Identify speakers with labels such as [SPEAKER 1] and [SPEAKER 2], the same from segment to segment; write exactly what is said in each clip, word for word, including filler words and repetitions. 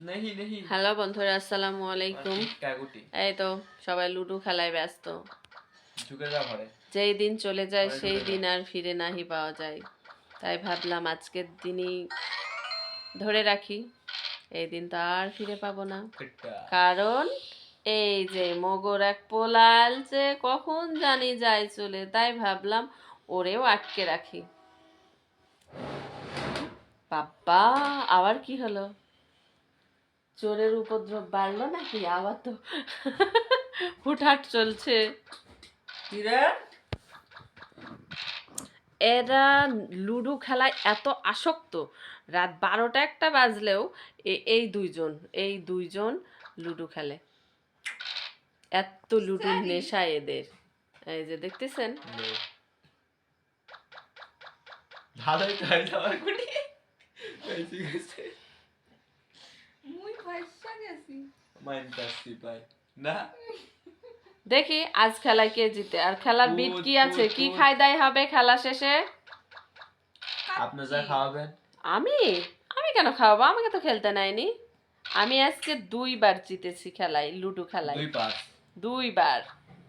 [SPEAKER 1] Hello বন্ধুরা, আসসালামু আলাইকুম। এই তো সবাই লুডো খেলায় ব্যস্ত। যেই দিন চলে যায় সেই দিন আর ফিরে নাহি পাওয়া যায়, তাই ভাবলাম আজকের দিনই ধরে রাখি। এই দিন তো আর ফিরে পাবো না, কারণ এই যে মগর এক পোলাল যে কখন জানি যায় চলে, তাই ভাবলাম ওরেও আটকে রাখি। বাবা, আবার কি হলো? চোরের উপদ্রব বাড়লো নাকি? আবার তো হুটহাট চলছে। এরা লুডো খেলায় এত আসক্ত, রাত বারোটা একটা বাজলেও এই দুইজন এই দুইজন লুডো খেলে। এত লুডোর নেশা এদের। এই যে দেখতেছেন, ভালোই তো হইলো আমার গুলি কইছি গেছে মুই পয়সা গেছি মাইন্ডাসি ভাই না। দেখি আজ খেলায় কে জিতে, আর খেলার বিট কি আছে, কি খাই দাই হবে খেলা শেষে? আপনি যা খাওয়াবেন। আমি আমি কেন খাওয়াবো? আমাকে তো খেলতে নাইনি। আমি আজকে দুইবার জিতেছি খেলায়, লুডো খেলায় দুইবার দুইবার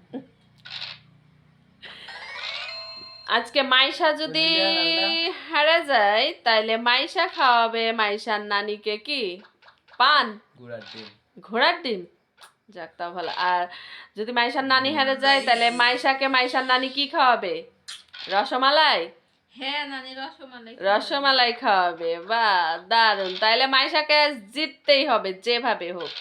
[SPEAKER 1] আজকে মাইশা যদি হারা যায় তাইলে মাইশা খাওয়াবে মাইশার নানিকে কি পান, ঘোড়ার ডিম। ঘোড়ার ডিম, যাক তাও ভালো। আর যদি মাইশার নানি হারে যায় তাহলে মাইশাকে মাইশার নানি কি খাওয়াবে? রসমালাই। হ্যাঁ নানি রসমালাই রসমালাই খাওয়াবে। বাহ, দারুণ। তাইলে মাইশাকে জিততেই হবে যেভাবে হোক।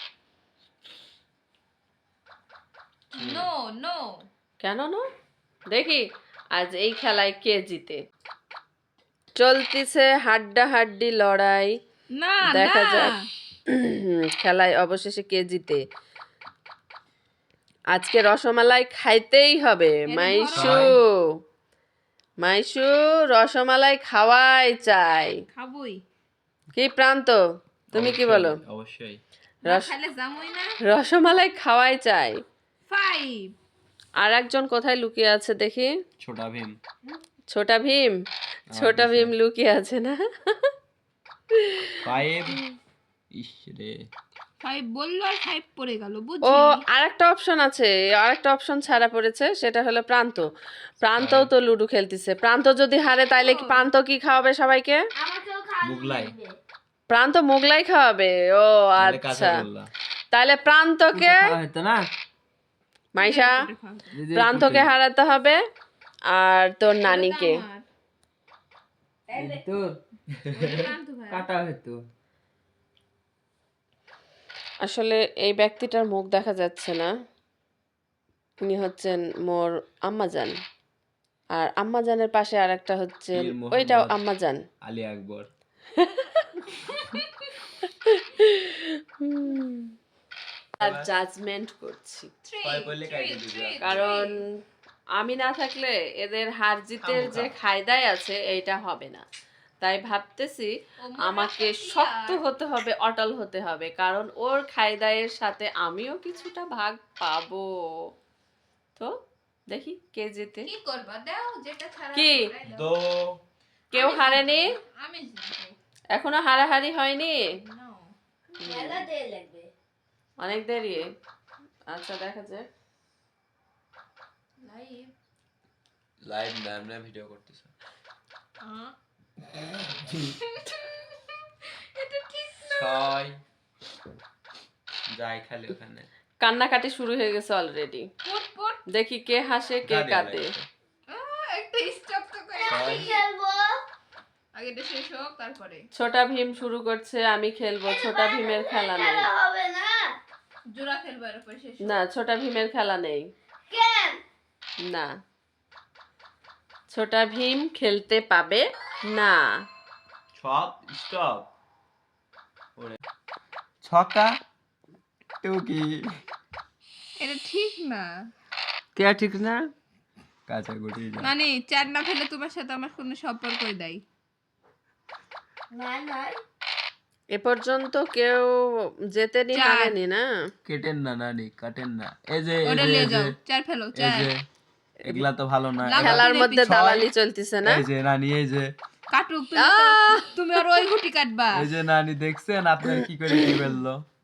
[SPEAKER 1] নো নো কেন নো? দেখি আজ এই খেলায় কে জিতে। চলতিছে হাড্ডাহাড্ডি লড়াই, দেখা যাক খেলায় অবশেষে কে জিতে। আজকে রসমালাই খাইতেই হবে। মাইশু মাইশু রসমালাই খাওয়াই চাই। খাবই কি প্রান্ত, তুমি কি বলো? অবশ্যই রসমালাই খাওয়াই চাই। ফাইভ। আর একজন কোথায় লুকিয়ে আছে দেখি? ছোটা ভীম। ছোটা ভীম ছোটা ভীম লুকিয়ে আছে না? ফাইভ। ইস রে, ফাইভ বললো আর ফাইভ পড়ে গেল। ও আরেকটা অপশন আছে, আরেকটা অপশন ছাড়া পড়েছে, সেটা হলো প্রান্ত। প্রান্তও তো লুডো খেলতেছে। প্রান্ত যদি হারে তাইলে কি প্রান্ত কি খাওয়াবে সবাইকে? মুগলাই। প্রান্ত মুগলাই খাওয়াবে। ও আচ্ছা, তাহলে প্রান্তকে মাইশা প্রান্তকে হারাতে হবে আর তোর নানিকে। আসলে এই ব্যক্তিটার মুখ দেখা যাচ্ছে না, উনি হচ্ছেন মোর আম্মাজান, আর আম্মাজানের পাশে আর একটা হচ্ছেন, ওইটাও আম্মাজান, আলী আকবর। আর জাজমেন্ট করছি, কারণ আমি না থাকলে এদের হার জিতের যে খায়দায় আছে এইটা হবে না। তাই ভাবতেছি আমাকে শক্ত হতে হবে, অটল হতে হবে, কারণ ওর খায়দায়ের সাথে আমিও কিছুটা ভাগ পাবো। তো দেখি কে জিতে। কি করবা দাও, যেটা ছাড়া কি দো কেউ হারেনি, আমি জিতবো। এখনো হারাহারি হয়নি, মেলা দেরি লাগবে, অনেক দেরি। আচ্ছা দেখা যাক। লাইভ লাইভ না, আমরা ভিডিও করতেছি। এটা ঠিক না। ছয় যাই খালি ওখানে। কান্নাকাটি শুরু হয়ে গেছে অলরেডি। দেখি কে হাসে কে কাঁদে। একটা স্টপ তো করে আমি খেলবো, আগে এটা শেষ হোক তারপরে। ছোটা ভীম শুরু করছে, আমি খেলবো। ছোটা ভীমের খেলা নেই, হবে না। জোড়া খেলবো এর উপর শেষ না। ছোটা ভীমের খেলা নেই কেন? না, ছোটা ভীম খেলতে পাবে না। ছক স্টপ ওরে ছকা টুকি, এটা ঠিক না। কে ঠিক না? কাঁচা গুটি মানে চার না ফেলে তোমার সাথে আমার কোনো সম্পর্কই নাই। না না এ পর্যন্ত কেউ জেতেনি, হারেনি না। কেটেন না নানি, কাটেন না। এই যে ওটা নিয়ে যাও, চার ফেলো, চার। এগুলা তো ভালো না। খেলার মধ্যে দালালি চলতেছে না। এই যে নানি, এই যে
[SPEAKER 2] কাটুক তুমি তো- তুমি আর ওই গুটি কাটবা
[SPEAKER 3] এই যে নানি দেখছেন আপনার কি করে কি বললো